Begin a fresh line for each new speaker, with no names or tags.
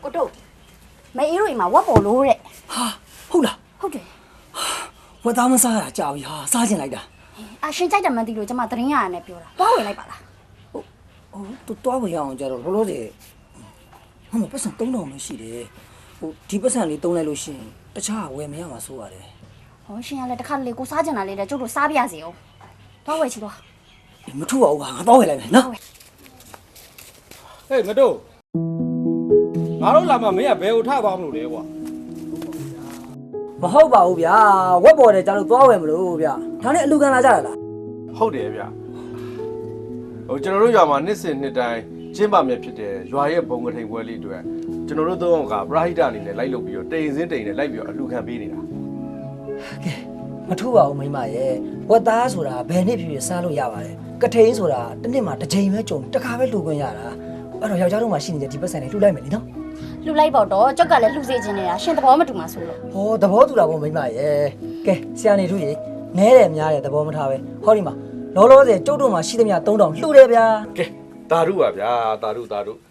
ကိုတို့မေအေးတို့အိမ်မှာဝက်ပေါ်လို့တဲ့
ဟာဟုတ်လား
ဟုတ်တယ်
ဝက်သားမစားရတာကြာပြီဟာစားချင်လိုက်တာ
အာရှင်ကြိုက်တယ်မှန်းသိလို့ကျမသတင်းရရနဲ့ပြောတာတွားဝင်လိုက်ပါလား
ဟိုတူတွားဝင်ရအောင်ကြတော့လောလောဆယ်ဟိုမှာပတ်စံ3000ပဲရှိတယ်ဟိုဒီပတ်စံလေးသုံးလိုက်လို့ရှိရင်တခြားဝယ်မရမှာစိုးရတယ်
ဟောရှင်ကလည်းတစ်ခါတလေကိုစားကြင်တာလေးတဲ့ကျုပ်တို့စားပြရစီအောင်တွားဝယ်ချီတော့
မထူပါဘူးဟာငါတော့ဝယ်လိုက်မယ်နော်
ဟေးမတို့ငါတို့လာမှမင်းကဘယ်ကိုထသွားမလို့လဲကွာ
မဟုတ်ပါဘူးဗျာဝက်ပေါ်တယ်ကျတော့တွားဝယ်မလို့ဗျာဒါနဲ့အလူခံလာကြရလား
ဟုတ်တယ်ဗျဟိုကျွန်တော်တို့ရွာမှာနှစ်စဉ်နှစ်တိုင်းကျင်းပမြဖြစ်တဲ့ရွာရဲ့ဘုံကထိန်ပွဲလေးအတွက်ကျွန်တော်တို့သုံးအောင်ကပရာဟိတအနေနဲ့လိုက်လုပ်ပြီးတော့တိန်စင်းတိန်နဲ့လိုက်ပြီးတော့အလှခံပေးနေတာ
ကဲမထူပါဘူးမိမရဲ့ဝက်သားဆိုတာဘယ်နှစ်ဖြစ်ဖြစ်စားလို့ရပါတယ်ကထိန်ဆိုတာတစ်နှစ်မှာတစ်ချိန်ပဲကြုံတစ်ခါပဲလှူခွင့်ရတာအဲ့တော့ယောက်ျားတို့မှရှိနေတဲ့ဒီပတ်စံလေးလှူလိုက်မယ်လीနော်
လှူလိုက်ပေါ့တော့ကျုပ်ကလည်းလှူစေခြင်းနေတာရှင်သဘောမတူမှဆိုလို့
ဟောသဘောတူတာပေါ့မိမရဲ့ကဲဆရာနေထူးရေနဲတယ်များတယ်သဘောမထားပဲဟောဒီမှာလောလောဆယ်ကျုပ်တို့မှာရှိသမျှ3000လှူတယ်ဗျာ
ကဲတာရုပါဗျာတာရု